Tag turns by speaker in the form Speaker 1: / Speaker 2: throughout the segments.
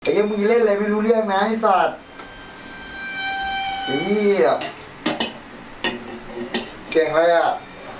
Speaker 1: ไอ้ยังมึงเล่นอะไรไม่รู้เรื่องนะไอ้สัตว์ไอ้เหี้ยเก่งอะไรอ่ะ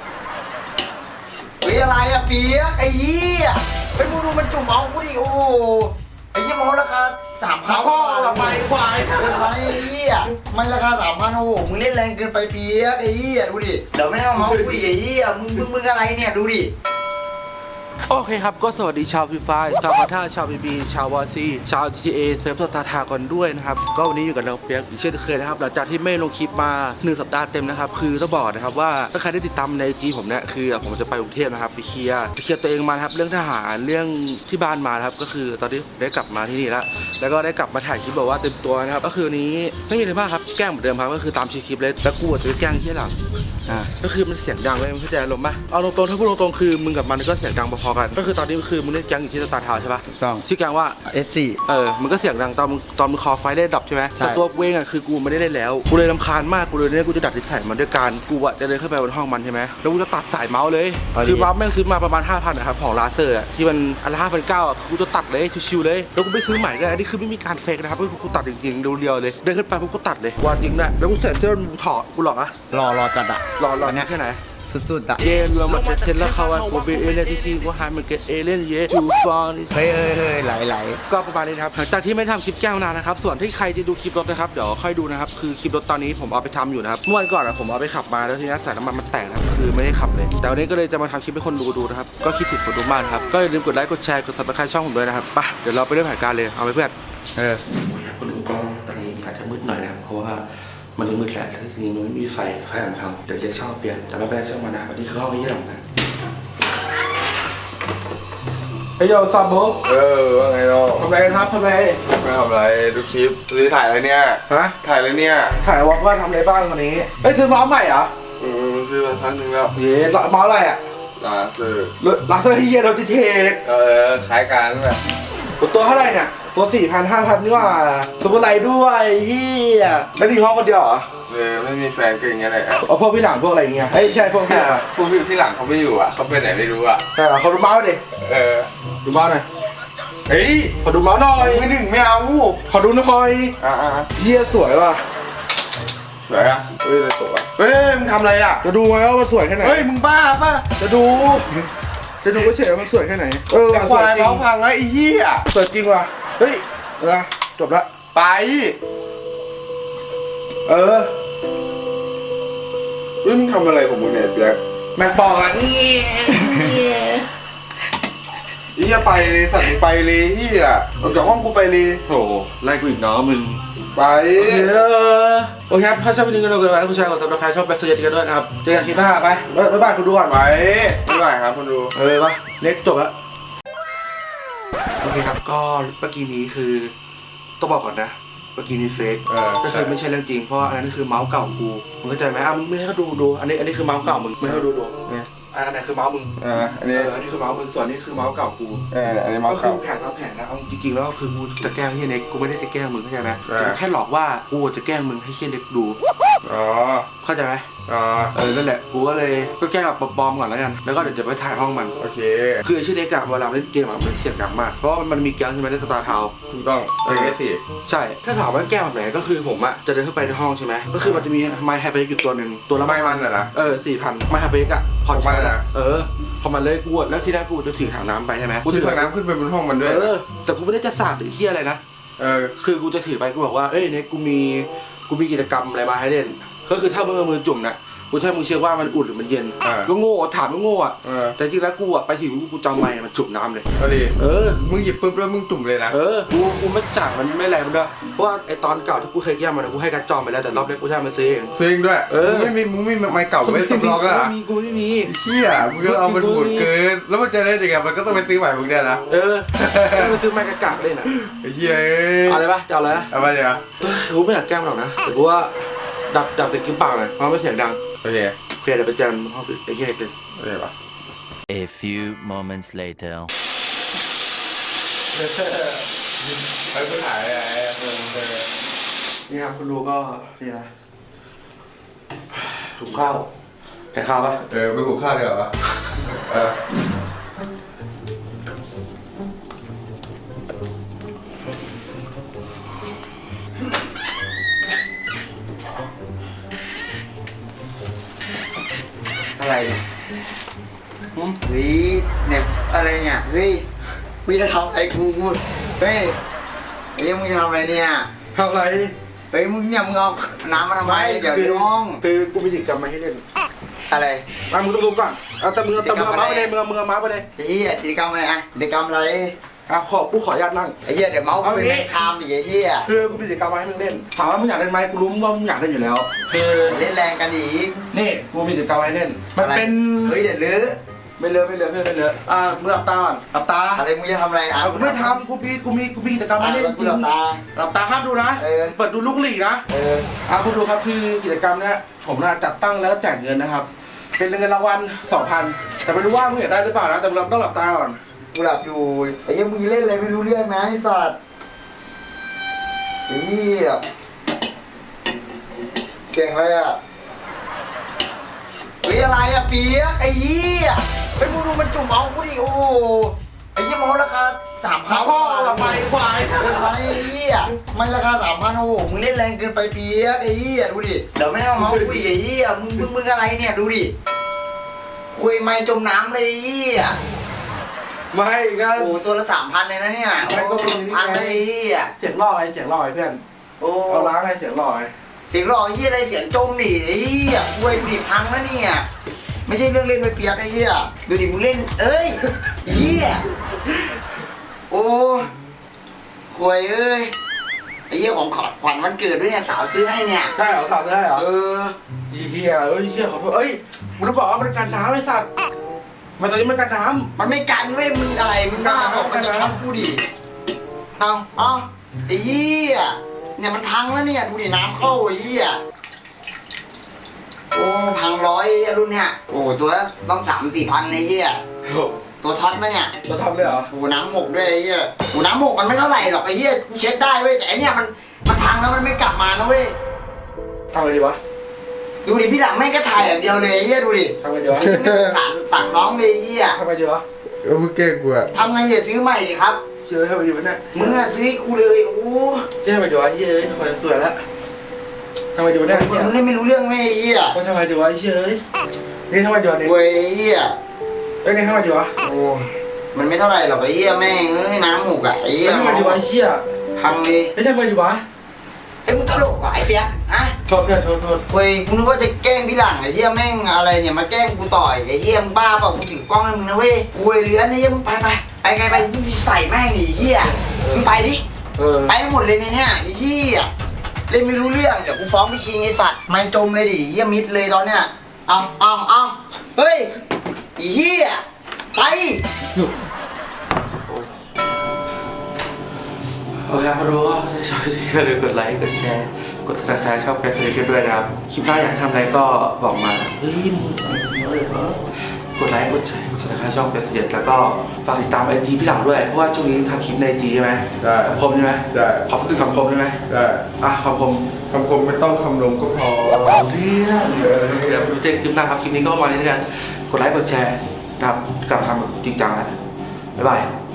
Speaker 1: เฮ้ยอะไรอ่ะเปียกไอ้เหี้ยไปมึงดูมันจุ่มเอากูดิโอ้ไอ้เหี้ยมันราคา3,000
Speaker 2: พ่อละไปควาย
Speaker 1: อะไรไอ้เหี้ยมันราคา3,000โอ้โหมึงเล่นแรงเกินไปเปียกไอ้เหี้ยดูดิเดี๋ยวไม่เอาเมาส์คุยไอ้เหี้ยมึงอะไรเนี่ยดูดิ
Speaker 2: โอเคครับก็สวัสดีชาวฟรีไฟร์ชาวคาท่าชาวบีบีชาววอซีชาว GTA เซิร์ฟสตาร์ทากันด้วยนะครับก็วันนี้อยู่กับเราเปียกอีกเช่นเคยนะครับหลังจากที่ไม่ลงคลิปมา1สัปดาห์เต็มนะครับคือต้องบอกนะครับว่าถ้าใครได้ติดตามในจีผมเนี่ยคือผมจะไปกรุงเทพนะครับไปเคลียร์ตัวเองมาครับเรื่องทหารเรื่องที่บ้านมาครับก็คือตอนนี้ได้กลับมาที่นี่แล้วก็ได้กลับมาถ่ายคลิปแบบว่าเต็มตัวนะครับก็คือนี้ไม่มีอะไรมากครับแกล้งเหมือนเดิมครับก็คือตามคลิปเลยแล้วกูจะไปแกล้งที่หลังก็คือมันเสียงดังเลยมันเข้าใจอารมณ์ป่ะเอาตรงๆถ้าพูดตรงๆคือมึงกับมันก็เสียงดังพอๆกันก็คือตอนนี้คือมึงเล่นแก๊งอยู่ที่สตาร์ทาวน์ใช่ป่ะ
Speaker 3: ต้อง
Speaker 2: ชื่อแก๊งว่า
Speaker 3: S4
Speaker 2: มันก็เสียงดังตอนมึงคอไฟได้ดับใช่ไหมแต่ตัวกูเองอ่ะคือกูไม่ได้เล่นแล้วกูเลยรำคาญมากกูเลยเนี่ยกูจะดัดนิสัยมันด้วยการกูอ่ะจะเดินเข้าไปบนห้องมันใช่ไหมแล้วกูจะตัดสายเมาส์เลยคือเมาส์แม่งซื้อมาประมาณ 5,000 นะครับของลาเซอร์อ่ะที่มันอันละ 5,900 อ่ะกูจะตัดเลยชิวๆเลยแล้วกูไม่ซื้อใหม่ด้วยอันนี้คือไม่มีการเฟกนะครับกูตัดจริงๆเรียวๆเลยเดินขึ้นไปปุ๊บกูตัดเลยวันจริงนะแล้วกูเสร็จเสื้อมึงถอดกูหรอ
Speaker 3: รอจัดอะ
Speaker 2: รอเนี่ยแค่ไหน
Speaker 3: สุดๆอะ
Speaker 2: เย่รวมมาเซ็ตแล้วเขาว่ากูเป็นเอเลี่ยนที่กูหายมันเกิดเอเลี่ยนเย่จูฟอน
Speaker 3: เฮ้ยไหล
Speaker 2: ก็ประมาณนี้ครับหลังจากที่ไม่ทำคลิปแก้วนานนะครับส่วนที่ใครจะดูคลิปรถนะครับเดี๋ยวค่อยดูนะครับคือคลิปรถตอนนี้ผมเอาไปทำอยู่นะครับเมื่อวันก่อนผมเอาไปขับมาแล้วทีนี้สายน้ำมันมันแตกนะครับคือไม่ได้ขับเลยแต่วันนี้ก็เลยจะมาทำคลิปให้คนดูนะครับก็คิดถึงคนดูมากครับก็อย่าลืมกดไลค์กดแชร์กดซับสไครต์ช่องผมด้วยนะครับไปเดี๋ยวเราไปเริ่มแผนการเลยเอาไปเพื่อนคนดูก็ตอนนี้อาจจะมืดหน่อยนะครับเพราะว่ามันมืดแหละที่จริงมันไม่มีไฟมันพังเดี๋ยวเรียกช่างเปลี่ยนแต่ไม่เป็นไรช่างมันนะวันนี้คือห้องนี้หลังนะเฮ้ยโยซาโบ
Speaker 4: ว่าไงเนาะ
Speaker 2: ทำอะไรกันครับทำอะไร
Speaker 4: ไม่ทำอะไรดูคลิปหรือถ่ายอะไรเนี่ย
Speaker 2: ฮะ
Speaker 4: ถ่ายอะไรเนี่ย
Speaker 2: ถ่ายวอล์กว่าทำอะไรบ้างวันนี้เฮ้ยซื้อเมาส์ใหม่เหรอ
Speaker 4: ซื้อมาพันหนึ่งแล้ว
Speaker 2: เย้เมาส์อะไรอ่ะ
Speaker 4: ลาเซอ
Speaker 2: ร์ที่เยโรติเทค
Speaker 4: ขายการนั่นแหละ
Speaker 2: ตัวเท่าไหร่เนี่ยตัว 4,000 5,000นี่ว่าสมุไรด้วยเฮียแล้วมีห้องคนเดียวเหรอ
Speaker 4: ไม่มีแฟนก็อย่างเงี้ยเลย
Speaker 2: เอาพวกพี่หลังพวกอะไรเงี้ยเฮ้ยใช่พวกพี่
Speaker 4: ที่หลังเขาไม่อยู่อ่ะเขาไปไหนไม่รู้อ่ะ
Speaker 2: เขาดูเมาส์ดิดูเมาส์หน่อย
Speaker 4: เฮ้ย
Speaker 2: ขอดูเมาส์หน่อย
Speaker 4: ไม่ถึงไม่เอา
Speaker 2: ขอดูหน่อยเฮียสวยว่ะ
Speaker 4: สวยอ่ะเฮ้ยสวยเฮ้ยมึงทำอะไรอ่ะ
Speaker 2: จะดูไหมว่ามันสวยแค่ไหน
Speaker 4: เฮ้ยมึงบ้าป่ะ
Speaker 2: จะดูก็เฉยว่ามันสวยแค่ไหน
Speaker 4: ควายเมาส์พังแล้วไอ้เหี้ย
Speaker 2: สวยจริงว่ะเฮ้ยจบละ
Speaker 4: ไป
Speaker 2: เ
Speaker 4: ฮ้ยมึงทำอะไรของมึงเนี่ยเปียก
Speaker 2: แม่งบอกอ่ะ
Speaker 4: อีจะไปเลยสัตว์ไปเลยที่อ่ะออกจากห้องกูไปเลย
Speaker 2: โอ้ไล่กูอีกเนาะมึง
Speaker 4: ไป
Speaker 2: โอเคครับถ้าชอบวิดีโอกันแล้วคุณชายกดซับสไครต์ช่องแบ็คเซอร์กันด้วยนะครับเจอกันคลิปหน้าไปบ๊ายบายคุณดูก่อน
Speaker 4: ไปบ๊ายบายครับคุณดู
Speaker 2: ปะเล็กจบแล้วโอเคครับก็เมื่อกี้นี้คือต้องบอกก่อนนะเมื่อกี้นี้เฟกก็คือไม่ใช่เรื่องจริงเพราะอันนั้นคือเมาส์เก่ากูมึงเข้าใจไหมมึงไม่ให้เขาดูอันนี้คือเมาส์เก่ามึงไม่ให้เขาดูอันไหนคือเมาส์มึง
Speaker 4: อันนี้
Speaker 2: คือเมาส์มึงส่วนนี้คือเมาส์เก่ากู
Speaker 4: อันนี้เมาส์เก่า
Speaker 2: ก็คือแผนทั้งแผนนะเอาจริงๆแล้วก็คือกูจะแกล้งเฮียเน็กกูไม่ได้จะแกล้งมึงเข้าใจไหมแค่หลอกว่ากูจะแกล้งมึงให้เฮียเน็กดูเข้าใจไหมนั่นแหละกูก็เลยก็แกล้งแบบปลอมๆก่อนแล้วกันแล้วก็เดี๋ยวจะไปถ่ายห้องมัน
Speaker 4: โอเค
Speaker 2: คือไอ้ชื่อเน็กอะเวลาเล่นเกมอะมันเสียงดังมากเพราะมันมีแก๊งใช่ไหมในสตาร์ทาวน์
Speaker 4: ถูกต้องสิ
Speaker 2: ใช่ถ้าถามว่าแกล้งแบบไหนก็คือผมอะจะเดินเข้าไปในห้องใช่ไหมก็คือมันจะมีไมค์แฮปปี้อยู่ตัวหนึ่งตัวละ
Speaker 4: ไมค์มันนะ
Speaker 2: 4,000ไมค์แฮปปี้อะพอมันนะพอมันเลยกูแล้วที่แรกกูจะถือถังน้ำไปใช่ไหม
Speaker 4: กูถือถังน้ำขึ้นไปบนห้องมันด้วย
Speaker 2: แต่กูไม่ได้จะสาดหรือเหี้ยอะไรนะคือกูจะถือไปกูบอกว่าเอ้ยเนี่ยกูมีกิจกรรมอะไรมาให้เล่นก็คือถ้ามือจุ่มนะกูใช่มึงเชื่อว่ามันอุ่นหรือมันเย็นก็โง่ถามก็โง่อ่ะแต่จริงแล้วกูอ่ะไปถึงกูจำไมมันจุ่มน้ำเลย
Speaker 4: ก็ดีมึงหยิบปุ๊บแล้วมึงจุ่มเลยนะ
Speaker 2: กูไม่จ่ายมันไม่แรงมันด้วยเพราะว่าไอตอนเก่าที่กูเคยแก้มันกูให้การจอมไปแล้วแต่รอบนี้กูใช้มันซื้อเอง
Speaker 4: ด้วยมึงไม่ไม้เก่าไม่สำรองอ่ะ
Speaker 2: กูไม่มี
Speaker 4: เชี่ยมึงก็เอามันหมดเกินแล้วมันจะได้ยังไงมันก็ต้องไปซื้อใหม่มึงเนี่ยนะ
Speaker 2: ไปซื้อไม้กระกากเลยนะ
Speaker 4: ไอ้เหี้ย
Speaker 2: อะไรปะจะเอาอะไร
Speaker 4: เอาไปเดี๋ยว
Speaker 2: กูไม่อยากแกล้งหรอกนะแต่กูว่าดับเสียงกิ้มปากเลยเพราะไม่เสียงดัง
Speaker 4: โอเค
Speaker 2: เดี๋ยวไปเจอกันห้องไอ้เหี้ยเลย
Speaker 4: โอเคปะ
Speaker 5: A few moments later
Speaker 4: ไปไปถ่ายอะไร
Speaker 2: นี่ครับคุณดูก็นี่นะถุงข้าวแต่ข้าวปะ
Speaker 4: ไปหุงข้าวเดี๋ยวปะ
Speaker 1: เฮ้ยเนี่ยอะไรเนี่ยเฮ้ยมึงจะทำอะไรกูเฮ้ยไอ้เหี้ยมึงจะทำอะไรเนี่ย
Speaker 2: ทำอะไร
Speaker 1: เฮ้ยมึงเนี่ยมึงเอาน้ำมาทำไมเดี๋ยวน้อง
Speaker 2: คือกูมีกิจกรรมมาให้เล่น
Speaker 1: อะไร
Speaker 2: มึงต้องรู้ก่อนเอาแต่มึงเอาม้าไปเลยมึงเอาม้าไปเลย
Speaker 1: ไอ้เหี้ยกิจกรรมอะไรอะกิจกรรมอะไร
Speaker 2: กูขออนุญาตนั่ง
Speaker 1: ไอ้เหี้ยเดี๋ยวเมาส์กูเป็นแม่คามอีกไอ้เหี้ย
Speaker 2: คือกูมีกิจกรรมมาให้มึงเล่นถามว่ามึงอยากเล่นไหมกูรู้ว่ามึงอยากเล่นอยู่แล้วคือ
Speaker 1: เล่นแรงกันอีก
Speaker 2: นี่กูมีกิจกรรมมาให้เล่นมันเป็น
Speaker 1: เฮ้ยเดี๋ยวลื้อ
Speaker 2: ไม่เลอะเพื่อนไม่เลอะมึงหลับตาก่อนหลับตา
Speaker 1: อะไรมึงจะทำอะไรอ่ะ
Speaker 2: กูไม่ทำกูมีกิจกรรมมาให้เล่นจ
Speaker 1: กู
Speaker 2: ริง
Speaker 1: หลับตา
Speaker 2: หลับตาห้ามดูนะ เปิดดูลูกหลีกนะ คุณดูครับคือกิจกรรมเนี้ยผมน่ะจัดตั้งแล้วแจกเงินนะครับ เป็นเงินรางวัล 2,000 แต่ไม่รู้ว่ามึงอยากได้หรือเปล่านะแต่เราต้องหลับตาก่อน
Speaker 1: กูหลับอยู่ไอ้เหี้ยมึงเล่นอะไรไม่รู้เรื่องนะไอ้สัตว์ไอ้เหี้ยเก่งเลยอ่ะเฮ้ยอะไรอ่ะเปียกไอ้เหี้ยเฮ้ยมึงดูมันจุ่มเอากูดิโอ้โหไอ้เหี้ยมันราคา3,000
Speaker 2: พ่อหลับไปควาย
Speaker 1: อะไรไอ้เหี้ยมันราคา3,000โอ้โหมึงเล่นแรงเกินไปเปียกไอ้เหี้ยดูดิเดี๋ยวไม่เอาเมาส์คุยไอ้เหี้ยมึงอะไรเนี่ยดูดิคุยไม่จมน้ำเลยไอ้เหี้ย
Speaker 2: ไม่ก็
Speaker 1: โอ้โหตัวละ3,000เลยนะเนี่ย
Speaker 2: ไม่ก็มีนี่ไง
Speaker 1: พันเลยไอ้เหี้ย
Speaker 2: เสียงหล่อไอ้เสียงหล่อไอ้เพื่อน
Speaker 1: โอ้
Speaker 2: เอาล้างไอ้เสียงหล่อไอ้
Speaker 1: เสียงหล่อไอ้เหี้ยอะไรเสียงจมดิไอ้เหี้ยคุยดิพังนะเนี่ยไม่ใช่เรื่องเล่นไปเปียกไอ้เหี้ยดูดิมึงเล่นเอ้ยไอ้เหี้ยโอ้คุยเอ้ยไอ้เหี้ยของขวัญวันเกิดด้วยเนี่ยสาวซื้อให้เนี่ย
Speaker 2: ได้เหรอสาวได้เหรอ
Speaker 1: เออ
Speaker 2: เฮียขอโทษมึงต้องบอกว่ามันกันน้ำไอ้สัตว์มันตอนนี้มันกันน้
Speaker 1: มันไม่กันเว้ยมึงอะไรมึงบ้าบอกมันจะช็อตกูดิเอาไอ้เหี้ยเนี่ยมันพังแล้วเนี่ยดูดิน้ำเข้าไอ้เหี้ยโอ้พังร้อยรุ่นเนี่ยโอ้ตัวละต้อง3-4 พันไอ้เหี้ย
Speaker 2: ำ
Speaker 1: ตัวท็อตมาเนี่ย
Speaker 2: เราทำเลยเหรอ
Speaker 1: โอ้น้ำหมกด้วยไอ้เหี้ยโอ้น้ำหมกมันไม่เท่าไหร่หรอกไอ้เหี้ยกูเช็ดได้เว้ยแต่ไอ้เนี่ยมันพังแล้วมันไม่กลับมานะเว้ย
Speaker 2: ทำไงดีวะ
Speaker 1: ดูดิพี่หลังแม่งก็ถ่ายอย่างเดียวเลยไอ้เหี้ยดูดิ
Speaker 2: ทำไงดีวะ
Speaker 1: ไอ้เหี้ยไม่สงสารสั่งน้องเลยไอ้เหี้ย
Speaker 2: ทำไงดีวะ
Speaker 3: มึงเก่งกูอะ
Speaker 1: ทำไงอย่าซื้อใหม่ดิครับ
Speaker 2: เชื่อทำไงดีวะเนี่ย
Speaker 1: มึงอะซื้อให้กูเลยโอ้
Speaker 2: ทำไงดีวะเฮ้ยคนสวยแล้วทำไงดีวะเนี่ย
Speaker 1: มึงเล่นไม่รู้เรื่องไหมไอ้เหี้ย
Speaker 2: ทำไงดีวะเฮ้ยนี่ทำไงดีวะเนี่ย
Speaker 1: เว้ยไอ้เหี้ย
Speaker 2: นี่ทำไงดีวะ
Speaker 1: โอ้มันไม่เท่าไหร่หรอกไอ้เหี้ยแม่งเอ้ยน้ำหมูกอะไอ้เหี้ย
Speaker 2: ทำไงดีวะเฮีย
Speaker 1: พังเลย
Speaker 2: ไม่ทำไงดีวะ
Speaker 1: ไอ้มึงตลกว่ะไอ้เปียกฮะ
Speaker 2: โทษเพื่อนโทษ
Speaker 1: เว้ยกูนึกว่าจะแกล้งพี่หลังไอ้เหี้ยแม่งอะไรเนี่ยมาแกล้งกูต่อยไอ้เหี้ยมึงบ้าเปล่ากูถือกล้องให้มึงนะเว้ยกูเลยเลื้อนไอ้เหี้ยมึงไปไงไปมึงใส่แม่งดิไอ้เหี้ยมึงไปดิไปหมดเลยในเนี่ยไอ้เหี้ยเล่นไม่รู้เรื่องเดี๋ยวกูฟ้องพี่คิงไอ้สัตว์ไม่จมเลยดิเหี้ยมิดเลยตอนเนี้ยเอาเฮ้ยไอ้เหี้ยไป
Speaker 2: โอเคครับรู้ว่าชอบที่อย่าลืมกดไลค์กดแชร์กด subscribe ชอบแกสเซอร์ด้วยนะครับคลิปหน้าอยากทำอะไรก็บอกมาเฮ้ยมึงกดไลค์กดแชร์กด subscribe ช่องแกสเซอร์แล้วก็ฝากติดตามIGพี่หลังด้วยเพราะว่าช่วงนี้ทำคลิปในIGใช่ไหม
Speaker 4: ได้
Speaker 2: คำคมใช่ไหม
Speaker 4: ได้
Speaker 2: ขอสักหนึ่งคำคมได้ไหม
Speaker 4: ได้
Speaker 2: คำคม
Speaker 4: คำคมไม่ต้องคำลงก็พอ
Speaker 2: เอาเรื่องเดี๋ยวเจอคลิปหน้าครับคลิปนี้ก็ประมาณนี้แล้วกันกดไลค์กดแชร์นะครับกลับมาทำแบบจริงจังแล้วบ๊ายบาย